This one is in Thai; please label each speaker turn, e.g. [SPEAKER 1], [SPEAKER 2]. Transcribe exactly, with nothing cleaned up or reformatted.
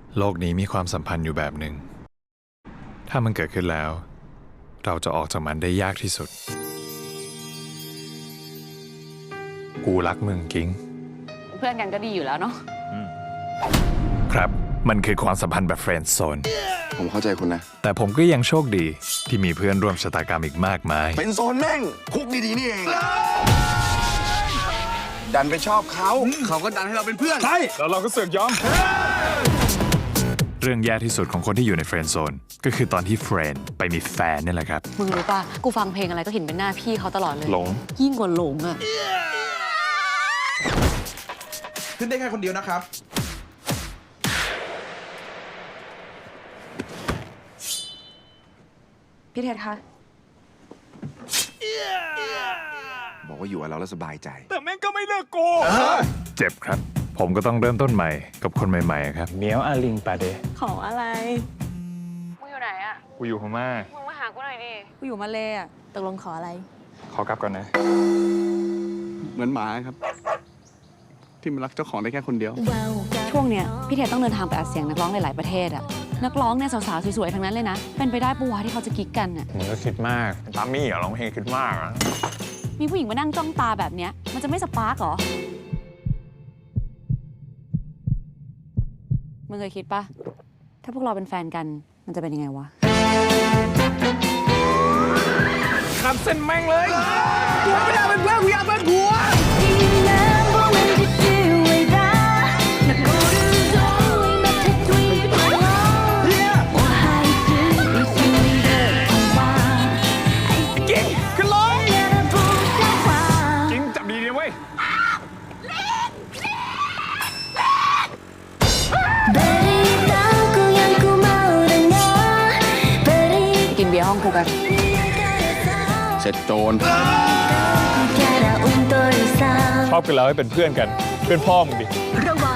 [SPEAKER 1] โลกนี้มีความสัมพันธ์อยู่แบบหนึ่งถ้ามันเกิดขึ้นแล้วเราจะออกจากมันได้ยากที่สุดกูรักมึงกิ้ง
[SPEAKER 2] เพื่อนกันก็ดีอยู่แล้วเนาะ
[SPEAKER 1] ครับมันคือความสัมพันธ์แบบเฟรนด์โซน
[SPEAKER 3] ผมเข้าใจคุณนะ
[SPEAKER 1] แต่ผมก็ยังโชคดีที่มีเพื่อนร่วมชะตากรรมอีกมากมาย
[SPEAKER 3] เป็นโซนแม่งคุกดีๆนี่เองดันไปชอบเขาเขาก็ดันให้เราเป็นเพื่อน
[SPEAKER 1] ใช่แล้วเราก็เสือกยอมเรื่องแย่ที่สุดของคนที่อยู่ในเฟรนด์โซนก็คือตอนที่เฟรนด์ไปมีแฟนนี่แหละครับ
[SPEAKER 2] มึงรู้ป่ะกูฟังเพลงอะไรก็เห็นเป็นหน้าพี่เขาตลอดเลย
[SPEAKER 1] หลง
[SPEAKER 2] ยิ่งกว่าหลงอะ
[SPEAKER 4] ขึ้นได้แค่คนเดียวนะครับ
[SPEAKER 2] พี่เทศคะ
[SPEAKER 3] บอกว่าอยู่กับเราแล้วสบายใจ
[SPEAKER 1] แต่แม่งก็ไม่เลิกโกเจ็บครับผมก็ต้องเริ่มต้นใหม่กับคนใหม่ๆครับ
[SPEAKER 5] เมียวอาลิงปาเด
[SPEAKER 2] ขออะไรมึงอยู่ไหนอะ
[SPEAKER 1] กูอยู่พม่า
[SPEAKER 2] มึงมาหากูหน่อยดิกูอยู่มาเลยอะตกลงขออะไร
[SPEAKER 1] ขอกลับก่อนนะ
[SPEAKER 3] เหมือนหมาครับที่มันรักเจ้าของได้แค่คนเดียว
[SPEAKER 2] ช่วงเนี้ยพี่เทศต้องเดินทางไปอัดเสียงนักร้องหลายๆประเทศอะนักร้องเนี่ยสาวๆสวยๆทั้งนั้นเลยนะเป็นไปได้ปะวะที่เขาจะกิ๊กกันอะ
[SPEAKER 5] มึงก็คิดมากตามมี่เหรอร้องเพลงคิดมากอะ
[SPEAKER 2] มีผู้หญิงมานั่งจ้องตาแบบเนี้ยมันจะไม่สปาร์กเหรอมึงเคยคิดปะถ้าพวกเราเป็นแฟนกันมันจะเป็นยังไงวะ
[SPEAKER 5] ขับเส้นแม่งเลยกูไม่ได้เป็นเพื่อนกูอยากเป็นผัว
[SPEAKER 2] กินเบียร์ห้องกูกัน
[SPEAKER 3] เสร็จโจร
[SPEAKER 5] ชอบกันแล้วให้เป็นเพื่อนกันเพื่อนพ่อมึงดิ
[SPEAKER 6] ระวั